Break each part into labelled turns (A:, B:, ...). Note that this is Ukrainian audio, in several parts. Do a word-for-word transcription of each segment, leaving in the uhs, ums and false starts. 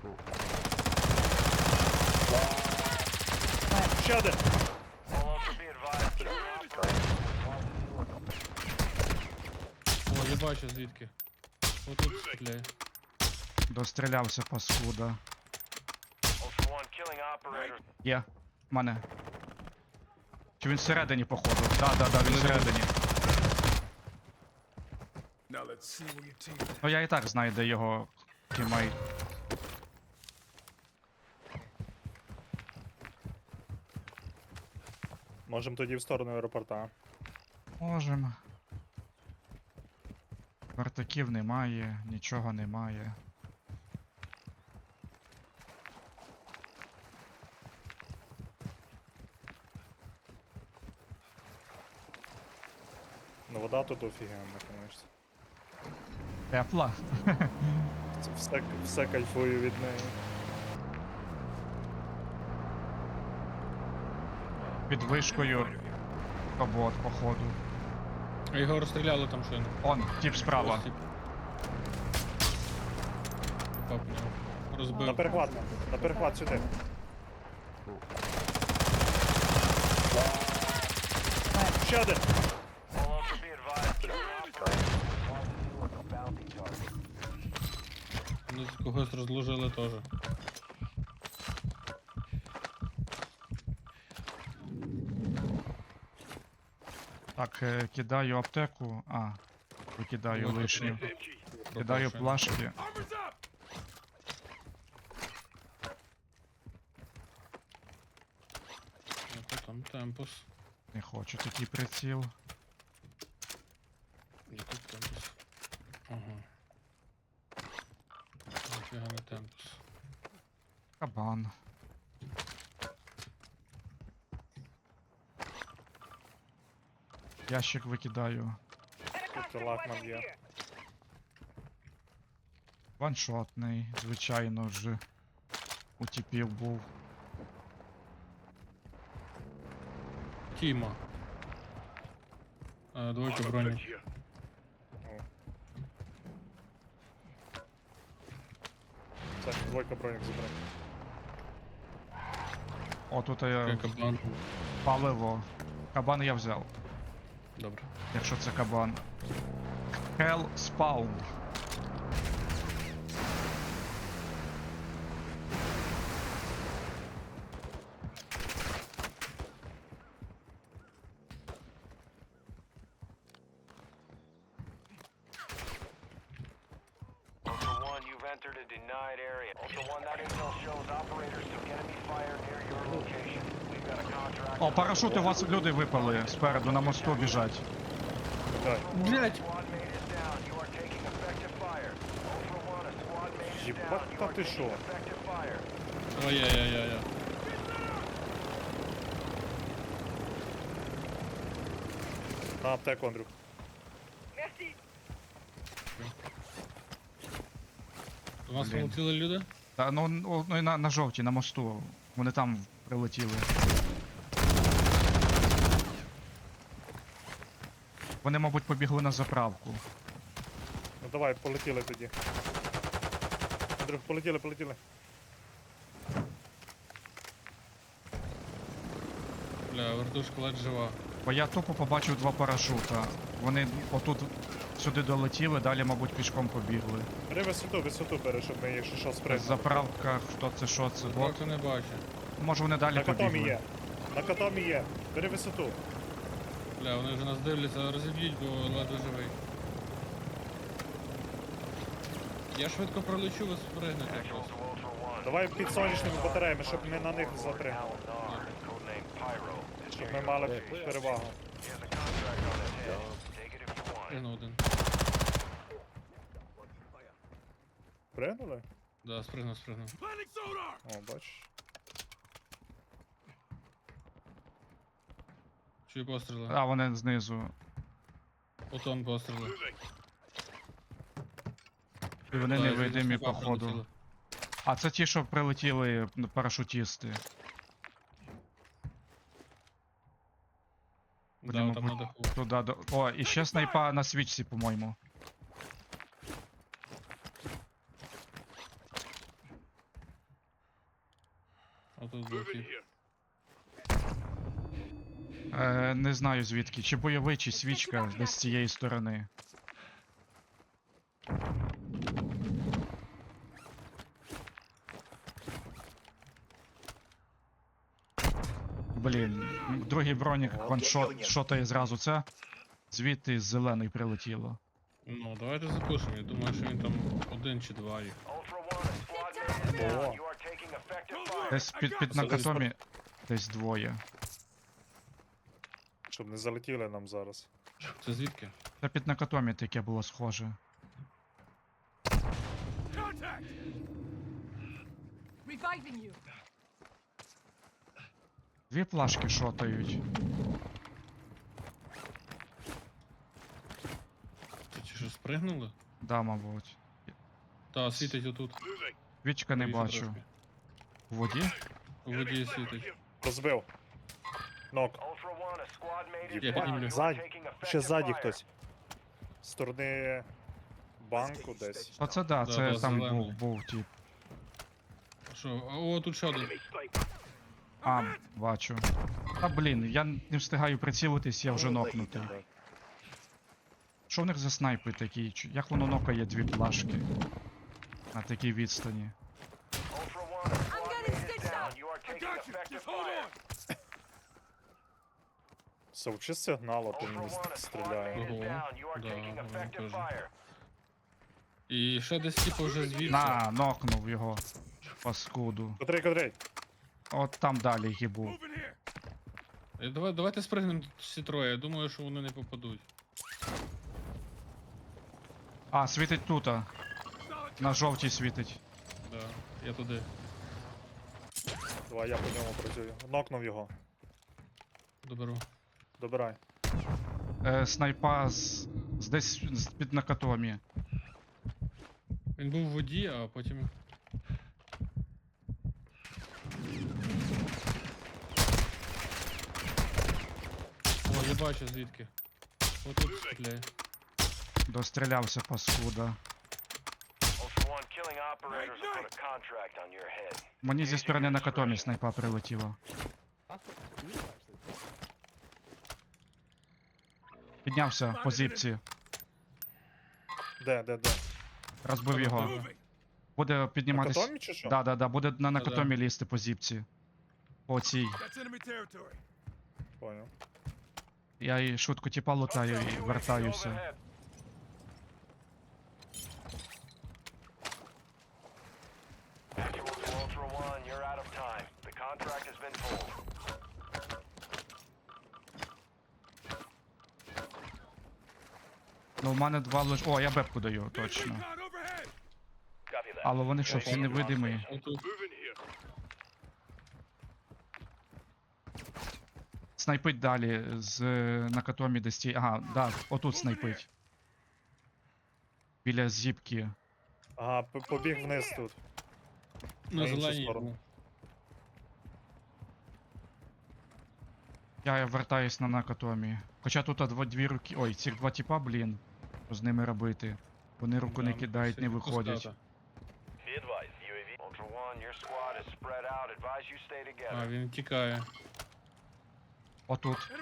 A: Ще один.
B: О, я бачу звідки. Отут стріляє.
C: Дострілявся паскуда. Є. В мене. Чи він всередині, походу? Да, да, да, він всередині. Ну я і так знаю, де його тімейт.
A: Можемо тоді в сторону аеропорта.
C: Можем. Вертаків немає, нічого немає.
A: Ну вода тут офігенна, конечно.
C: Тепла.
A: Це все, все кайфую від неї.
C: Під вишкою. Кабот, походу.
B: А його розстріляли там щойно.
C: Он, тип справа.
B: Ось тип. Попав в нього. Розбив.
A: На перехват, на перехват сюди. Ще один.
B: Вони когось розложили теж.
C: Так, е, кидаю аптеку. А, викидаю
B: Вот
C: лишню.
B: аптека.
C: Кидаю
B: Пропавши.
C: плашки.
B: Ото там темпус.
C: Не хочу такий приціл.
B: Де тут темпус? Ага. Ніфіга не темпус.
C: Кабан. Ящик викидаю.
A: Тут лакман є.
C: Ваншотний, звичайно ж. У тіпів був.
B: Тіма. А, двойка броні.
A: Це двойка бронік забрав.
C: О, тут
B: Я
C: я
B: кабан.
C: паливо. Кабан я взяв,
B: Добре.
C: якщо це кабан. Hell Spawn.
D: Ultra One, you've entered a denied area. Ultra One, that intel shows operators took enemy fire near your location. We've got a contract.
C: О, парашути, у вас люди випали спереду, на мосту біжать.
A: Так.
B: Блять!
D: Squad mate is down. You are taking effective fire. Ultra One, a squad mate is
A: Єбать,
D: down. You
A: та
D: are
A: ти
D: taking
A: що?
D: effective fire.
B: Ой-яй-яй-яй.
A: На аптеку, Андрюк.
B: У нас
C: Блін.
B: полетіли люди?
C: Та ну, ну ну, і на, на жовтій, на мосту. Вони там прилетіли. Вони, мабуть, побігли на заправку.
A: Ну давай, полетіли тоді. Андрюк, полетіли, полетіли.
B: Бля, вертушка ледь жива.
C: Бо я тупо побачив два парашута. Вони отут сюди долетіли, далі, мабуть, пішком побігли.
A: Бери висоту, висоту бери, щоб ми, якщо що,
C: В
A: спригнули.
C: заправках, хто це, що це, бот.
B: Поки не бачу.
C: Може вони далі
A: На катомі
C: побігли.
A: є. На катомі є. Бери висоту.
B: Бля, вони вже нас дивляться, розіб'ють, бо ледве живий. Я швидко пролечу, ви спригнете
D: Actual
B: просто.
D: to Ultra One.
A: Давай під сонячними батареями, щоб ми на них запригнули.
D: Al-Nar, codename Pyro. is
A: Щоб
D: near
A: ми
D: your
A: мали
D: location.
A: перевагу.
D: He has a contract on his head. Take it if you want.
B: Спригнув один.
A: Пригнули?
B: Да, спригнув, спригнув.
A: О, бачиш.
B: Чую постріли.
C: А, вони знизу.
B: Отон постріли.
C: І вони
B: Да,
C: невидимі,
B: звісно, два
C: походу.
B: прилетіли.
C: А це ті, що прилетіли ну, парашутісти. Вони,
B: Да, там на
C: мабуть,
B: даху.
C: туди до. О, і ще снайпа на свічці, по-моєму.
B: Отут був тип.
C: Е, не знаю звідки. Чи бойовий, чи свічка десь з цієї сторони. Блін, другий бронік ваншот шотає зразу це. Звідти з зелений прилетіло.
B: Ну, давайте запишемо. Я думаю, що він там один чи два їх.
D: Ultra One, a squad mate is down.
A: О.
D: You are taking effective fire.
C: Десь під, під накатомі десь двоє.
A: Щоб не залетіли нам зараз.
B: Це звідки?
C: Та під накатомі таке було схоже.
E: Reviving you.
C: Дві плашки шотають.
B: Це чи що спригнули?
C: Да, мабуть.
B: Та, світить отут.
C: Свічка не
B: Правіше
C: бачу.
B: трошки.
C: У воді?
B: У воді світить.
A: Розбив. Нок.
D: Ultra One, a squad mate is
B: Я
D: down.
B: піднімлю.
D: You are
A: Ззаді.
D: taking
A: Ще
D: effective
A: ззаді
D: fire.
A: хтось. З сторони банку десь.
C: Оце да,
B: Да,
C: це
B: да,
C: там
B: зелений.
C: був, був тип.
B: Що? А, о, тут ще один.
C: А, бачу. Та блін, я не встигаю прицілитись, я вже нокнутий. Що в них за снайпи такі? Чи- Як воно нокає дві плашки? На такій відстані.
D: Ultra One, a squad
E: getting
D: mate is
E: stitched
D: down.
E: up.
D: You are taking effective fire.
A: Совчи сигнал, а то
D: Ultra
A: мені
D: One, a squad
A: стріляє.
D: mate is
B: Ого.
D: down. You are
B: Да,
D: taking
B: вони
D: effective
B: теж.
D: fire.
B: І ще десь типу вже звідси.
C: На, нокнув його. Паскуду.
A: Котрий, котрий.
C: От там далі гібу.
B: Е, Давай, давайте спригнемо тут всі троє. Я думаю, що вони не попадуть.
C: А, світить тут. На жовтій світить.
B: Да, я туди.
A: Давай я по ньому працюю. Нокнув його.
B: Доберу.
A: Добирай.
C: Е, снайпа з, з десь з під накатомі.
B: Він був в воді, а потім. О, я бачу звідки. Отут стріляє.
C: Дострілявся паскуда.
D: Ultra One, killing operators will put a contract on your head.
C: Мені зі сторони накатомі снайпа прилетіла. Піднявся по зіпці.
A: Де, де, де?
C: Розбив його. Буде
A: На
C: підніматись.
A: катомі чи що?
C: Да, да, да, буде на
B: Да-да.
C: накатомі лізти по зіпці. По цій.
A: Понял.
C: Я і швидко тіпа лутаю і
D: Hostile U A V
C: вертаюся.
D: overhead. Actual to Ultra One, you're out of time. The contract has been pulled.
C: Ну, у мене два лиш. О, я бепку даю, точно.
D: Copy that.
C: Але вони що, всі невидимі?
B: Отут.
C: Снайпить далі з е, накатомі десь ті. Ага, да, отут снайпить. Біля зіпки.
A: Ага, п- побіг вниз тут.
B: На
A: На іншу
B: зеленій
A: сторону.
B: був.
C: Я вертаюсь на накатомі. Хоча тут дво- дві руки. Ой, цих два тіпа, блін. Що з ними робити? Вони руку не
B: Да,
C: кидають, не
B: всі
C: виходять.
B: пуската.
D: Be advised, U A V. Ultra One, your squad is spread out. Advise you stay together.
B: А, він тікає.
C: Отут.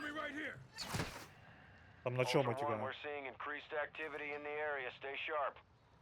A: Там на чому
D: Ultra One,
A: тікає?
D: we're seeing increased activity in the area. Stay sharp.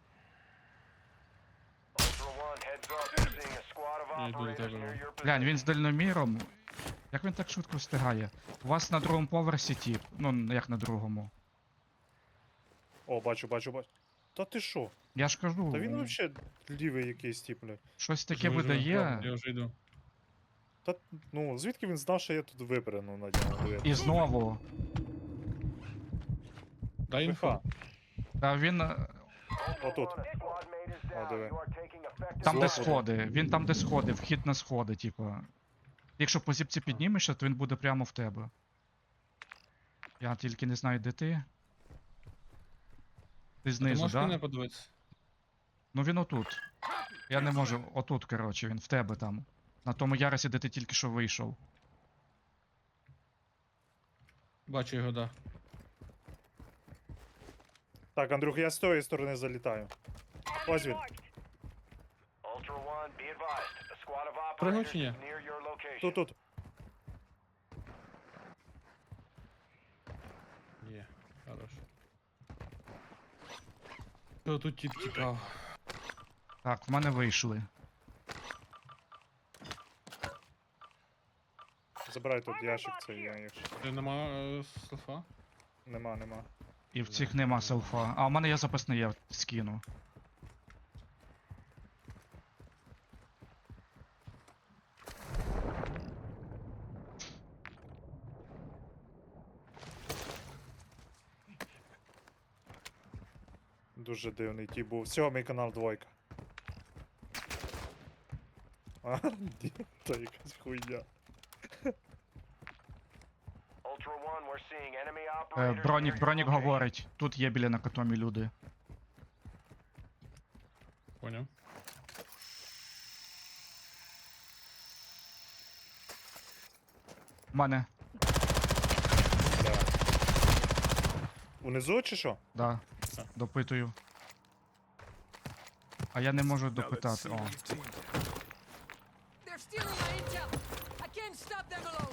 D: Ultra One, heads up. We're seeing a squad of
B: Я йду до
D: operators
B: тебе.
D: near your
C: Глянь,
D: position.
C: він з дальноміром. Як він так швидко встигає? У вас на другому поверсі тіп. Ну, як на другому.
A: О, бачу, бачу, бачу. Та ти що?
C: Я ж кажу,
A: Та він вообще лівий якийсь тип, бля.
C: щось таке
B: Вже, вже,
C: видає.
B: Я вже йду.
A: Та, ну, звідки він знав, що я тут випряну на ньому? диви?
C: І знову.
B: Дай інфо.
A: ПХ.
C: Та він. е,
D: Ultra
A: Отут.
D: One, a squad mate is down.
A: диви.
D: You are taking effective
C: Там, де
A: Зло.
C: сходи. Він там, де сходи, вхід на сходи, типу. Якщо по зіпці піднімешся, то він буде прямо в тебе. Я тільки не знаю, де ти. Ти
B: Ти
C: знизу,
B: можеш
C: да?
B: мене подивитися?
C: Ну він отут. Я не можу. Отут, коротше, він в тебе там. На тому ярусі, де ти тільки що вийшов.
B: Бачу його, да.
A: Так, Андрюх, я з тої сторони залітаю. Ось він.
D: Ultra One, be advised. A squad of
B: Пригнув
D: operators
B: чи ні?
D: is near your location.
A: Тут, тут.
B: Є, хорош. Хто тут тіп тікав?
C: Так, в мене вийшли.
A: Забирай тут ящик цей, я якщо.
B: Ти нема е, селфа?
A: Нема, нема.
C: І в цих нема селфа. А у мене є запасний, я скину.
A: Дуже дивний ті був. Всього, мій канал двойка. А, ні, то якась хуйня.
D: Ultra One, we're seeing enemy
C: Е,
D: operators near
C: бронік,
D: your
C: бронік
D: location.
C: говорить. Тут є біля накатомі люди.
B: Поняв.
C: В мене,
A: Да. Унизу чи що?
C: да,
B: Так.
C: допитую. А я не можу допитати. О,
E: They're stealing my intel. I can't stop them alone.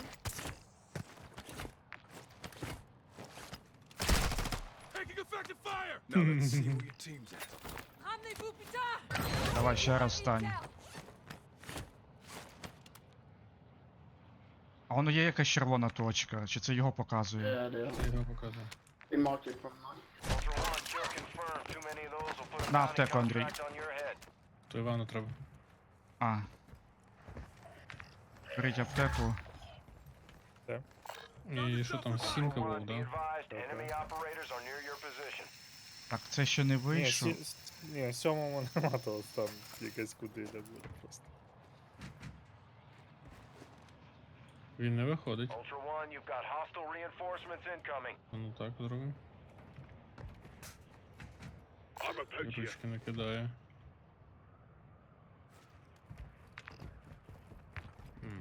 F: Taking effective fire! Now let's see where your team's at.
E: Ramenez-vous, putain!
C: давай ще раз стань.
E: Intel.
C: А воно є якась червона точка, чи це його показує?
G: Yeah, they are.
B: Я його показую.
G: They marked it from mine.
D: Ultra One, kill confirmed. Too many of those will put a
C: На
D: bounty
C: аптеку, Андрій.
D: contract on your head.
B: То Івану треба.
C: А. Беріть аптеку.
B: І що там,
D: Ultra
B: сімка був,
D: One, be
B: да?
D: advised. Enemy operators are near your position.
C: Так, це ще не
A: Ні,
C: вийшов.
A: сі... с- ні, сьомому нема того, там якась кудиля буде просто.
B: Він не виходить.
D: Ultra One, you've got hostile reinforcements incoming.
B: А ну так зробимо.
F: I'm a poacher.
B: Ручки не кидає. М.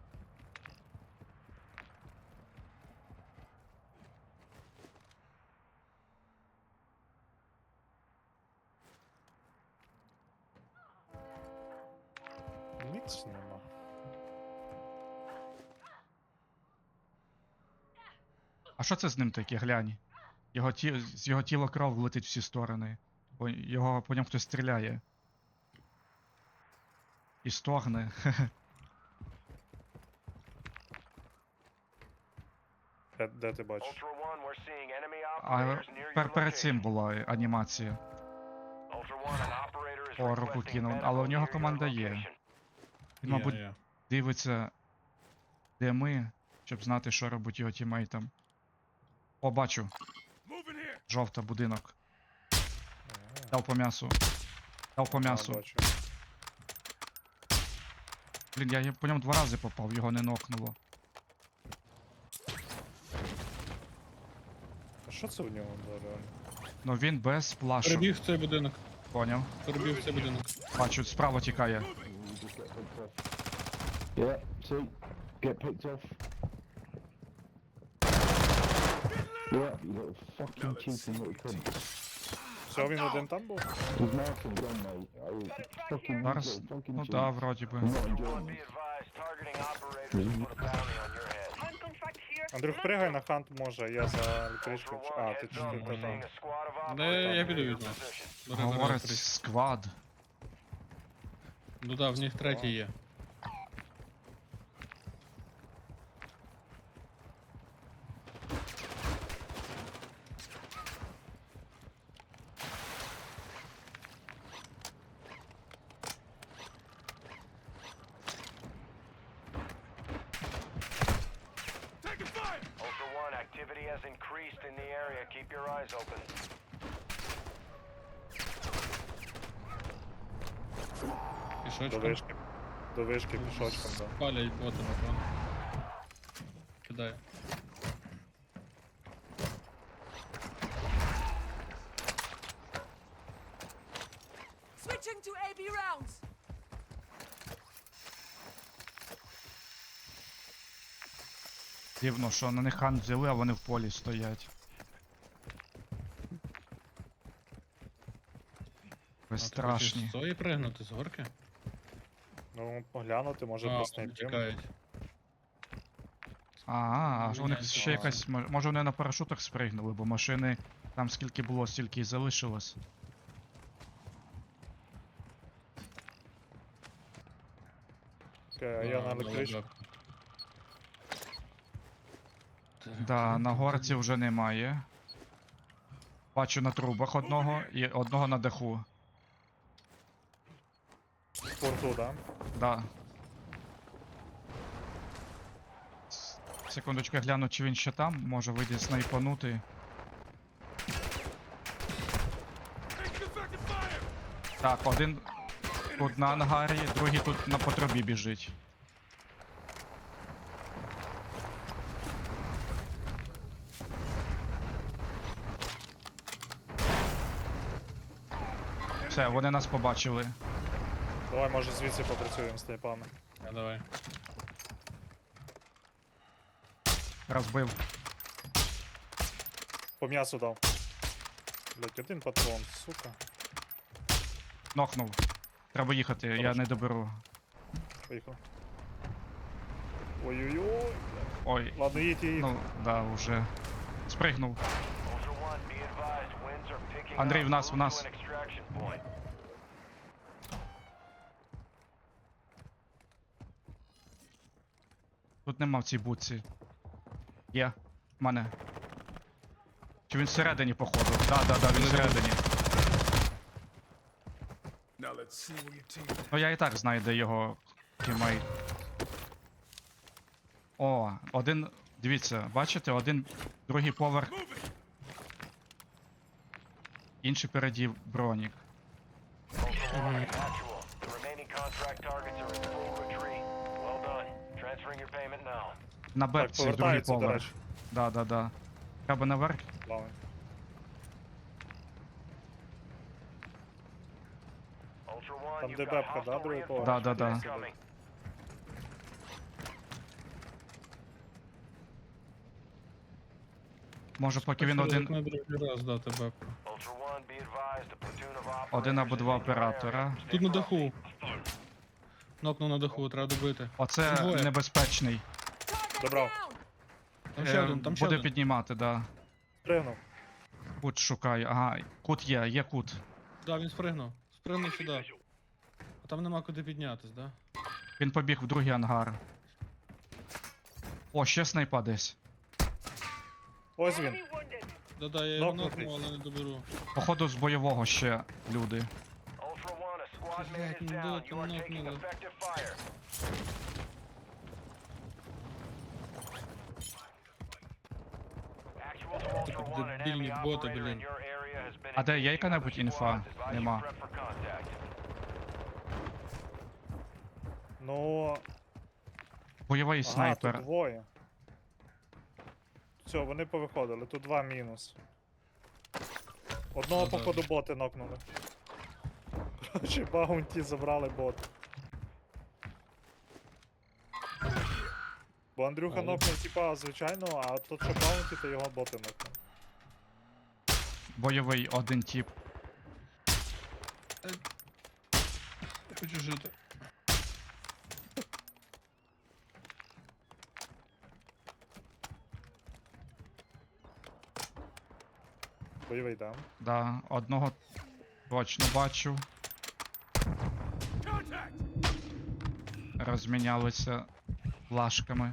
A: Ніч нема.
C: А що це з ним таке, глянь? Його ті... З його тіла кров летить в всі сторони. По... Його по ньому хтось стріляє. І стогне.
A: Де, де ти бачиш?
D: Ultra One, we're seeing enemy
C: А
D: operators near
C: пер...
D: your
C: перед цим
D: location.
C: була анімація.
D: Ultra One, an operator is
C: О, руку
D: requesting
C: кинув,
D: medical
C: але у нього
D: near your
C: команда є.
D: location.
C: Він,
B: Є,
C: мабуть,
B: є.
C: дивиться, де ми, щоб знати, що робить його тімейтам. О, бачу.
F: Moving here!
C: Жовта будинок. Дав по м'ясу. Дав по
A: А,
C: м'ясу.
A: бачу.
C: Блін, я по ньому два рази попав, його не нокнуло.
A: А що це в нього да, реально?
C: Ну він без плашок.
B: Перебіг в цей будинок.
C: Поняв.
B: Перебіг в цей будинок.
C: Бачу, справа тікає.
H: Yeah, see, get picked off. Yeah, you little fucking cheating little cunt.
A: Все, він один там був?
H: He's marking gun, mate. Oh, fucking
C: Зараз,
H: little fucking
C: ну
H: cheat.
C: да, вроді би.
H: I'm not
D: Ultra
H: enjoying
D: One, be
H: this.
D: advised. Targeting operators will put a bounty on your head.
A: Андрюх, пригай на хант може, я за електричкою.
D: Ultra
A: А,
D: One,
A: ти
D: heads
A: чи
D: up.
A: ти
D: We're
A: та
D: seeing
A: там.
D: a squad of
B: Да,
D: operators
B: я
D: near
B: піду
D: your
B: візьму.
D: position.
B: Бери, бери,
C: Говорить,
B: бери.
C: сквад.
B: Ну да, в них третій є.
F: Taking fire!
D: Ultra One, activity has increased in the area. Keep your eyes open.
A: До
B: Пішочком.
A: вишки. До вишки пішочком, да.
B: Палять боти, напевно. Кидає.
E: Switching to A B rounds.
C: Дивно, що на них хан взяли, а вони в полі стоять.
B: А, ти
C: Безстрашні.
B: хочеш з цієї пригнути з горки?
A: Ну, поглянути, може
B: А,
A: просто
B: вони
A: не
B: чекають.
C: А, а у них
B: Міняється
C: ще
B: план.
C: якась. мо- Може вони на парашутах спригнули, бо машини там скільки було, стільки і залишилось.
A: Окей, а я на електричку.
C: Да, на горці вже немає. Бачу на трубах одного і одного на даху.
A: В порту, да?
C: Да. С- Секундочку, я гляну, чи він ще там, може вийде снайпанути.
F: Taking effective fire!
C: Так, один тут на ангарі, другий тут на потребі біжить. Все, вони нас побачили.
A: Давай, може, звідси попрацюємо з тайпами.
B: А, давай.
C: Розбив.
A: По м'ясу дав. Блять, один патрон, сука.
C: Нокнув. Треба їхати, я
A: Хорошо.
C: не доберу.
A: Поїхав. Ой-ой-ой.
C: Ой,
A: Ладно, їдь, їдь.
C: ну, да, уже. Спригнув.
D: Ultra One, be advised, winds are picking
C: Андрій,
D: up.
C: в нас, в
D: Move
C: нас.
D: to an extraction point.
C: Тут нема в цій будці. Є. В мене. Чи він всередині, походу? Да, да, да, він всередині.
F: Now let's see where your team is.
C: Ну я і так знаю, де його тімейт. О, один. Дивіться, бачите, один другий поверх,
F: Move it!
C: інший переді бронік.
D: Ultra One, actual. The remaining contract targets are in full retreat. Well done. Transferring your payment now.
C: На
A: Так,
C: бепці, другий
A: повертається, до
C: поверх.
A: речі.
C: Да, да, да. Треба наверх.
A: Плавай.
D: Ultra One,
A: Там
D: you've
A: де
D: got
A: бебка, да,
D: hostile
A: другий поверх?
C: Да, да, да.
D: incoming.
C: Може, поки він один.
B: На другий раз дати бепку.
D: Ultra One, be advised, a platoon of
C: Один або
D: operators
C: два
D: is in your
C: оператора.
D: area.
B: Тут на
D: Stay
B: даху. Нокнув на даху, треба добити.
C: Оце
B: Двоє.
C: небезпечний.
E: Target
A: Добро.
E: down!
B: Там ще
C: Е,
B: один, там ще
C: Буде
B: один.
C: піднімати, да.
A: Пригнув.
C: Кут шукаю. Ага, кут є, є кут.
B: Да, він спригнув. Спригнув сюди. А там нема куди піднятись, да?
C: Він побіг в другий ангар. О, ще снайпа десь.
A: Ось він.
B: Да-да, я його
A: Нокнутий.
B: нокнув, але не доберу.
C: Походу з бойового ще люди.
D: Ultra One, a squad mate
B: Блядь,
D: is
B: ну
D: down.
B: да,
D: You are
B: там
D: taking
B: нокнули.
D: effective fire. Actual to Ultra One, an enemy
B: Дебільні боти,
D: operator in
B: блін.
D: your area has been
C: А де є
D: engaging
C: яка-небудь
D: other
C: інфа?
D: squads. Advise you
C: Нема.
D: prep for contact.
A: Ну,
C: Бойовий
A: ага, тут
C: снайпер.
A: двоє. Все, вони повиходили, тут два мінус. Одного,
B: Ну, да.
A: походу, боти нокнули. Короче, баунті забрали бот. Бо Андрюха
B: Але-
A: нокнув, типа, звичайно, а тут що баунті, то його боти нокнули.
C: Бойовий один тип.
B: Я хочу жити.
A: Бойовий дам.
C: Да, одного точно бачу.
F: Contact!
C: Розмінялися плашками.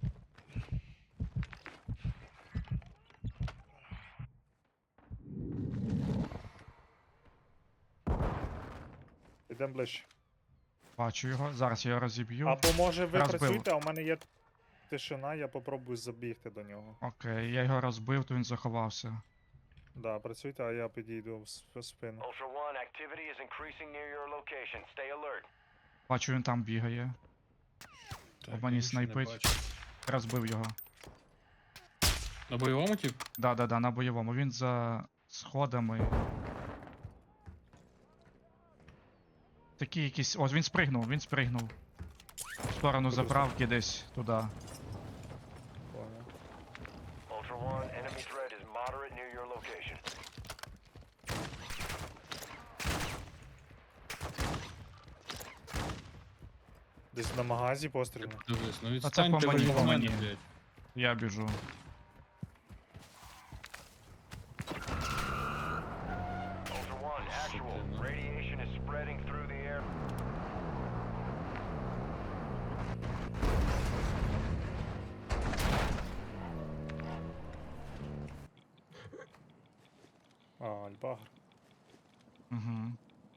A: Ідемо ближче.
C: Бачу його. Зараз я його розіб'ю.
A: Або може ви
C: Розбив.
A: працюєте, а у мене є тишина, я попробую забігти до нього.
C: Окей, я його розбив, то він заховався.
A: Да, працюйте, а я підійду в с- в спину.
D: Ultra One, activity is increasing near your location. Stay alert.
C: Бачу, він там бігає.
B: Так,
C: мені
B: я нічого не
C: снайпить.
B: бачу.
C: Розбив його.
B: На бойовому тип?
C: Да, да, да, на бойовому. Він за сходами. Такі якісь. Ось він спригнув, він спригнув. В сторону
A: Куди
C: заправки десь туди.
A: Понял.
D: Ultra One, enemy threat is moderate near your location.
A: Десь на магазі постріл.
B: Дивись, ну
C: по
B: відстаньте ви
C: мені,
B: від
C: по
B: мене,
C: мені.
B: блядь.
C: Я біжу.
D: Ultra One, actual.
B: Shit, no.
D: Radiation is spreading through the air.
A: А, альбагр.
C: Угу.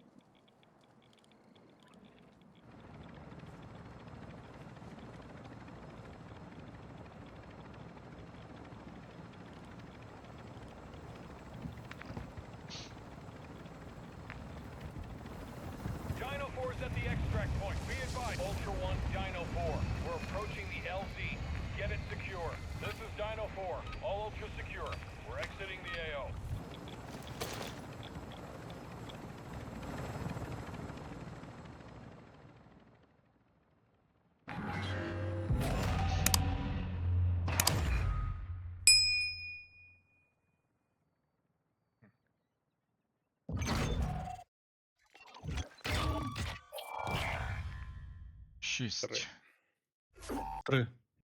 D: Dino four is at the extract point. Be advised. Ultra One, Dino four. We're approaching the L Z. Get it secure. This is Dino four. All Ultra secure. We're exiting the A O.
C: Шість.
A: Три.
B: Три.